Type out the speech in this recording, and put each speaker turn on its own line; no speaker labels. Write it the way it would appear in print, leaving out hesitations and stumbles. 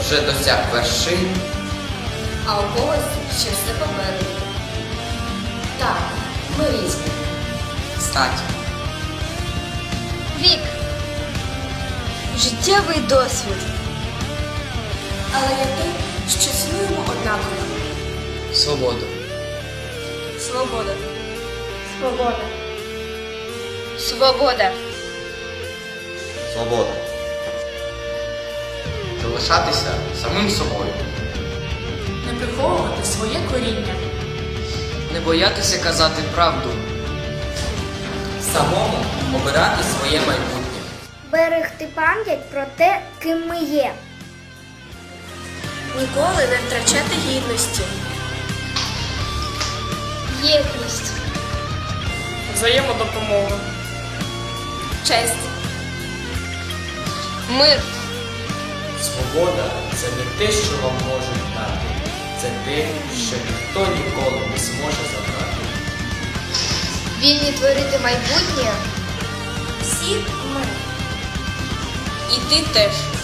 вже досяг вершин,
а у когось ще все попереду. Так, ми різні.
стать,
Вік. Життєвий досвід. Але є те, що цінуємо однаково.
свободу,
Свобода. Свобода. Свобода.
свобода. Залишатися самим собою.
Не приховувати своє коріння.
Не боятися казати правду. Самому обирати своє майбутнє.
Берегти пам'ять про те, ким ми є.
Ніколи не втрачати гідності. Єдність.
Взаємодопомога.
Честь. Мир.
Свобода – це не те, що вам можуть дати. Це те, що ніхто ніколи не зможе забрати.
Вільні творити майбутнє.
Всі ми.
І ти теж.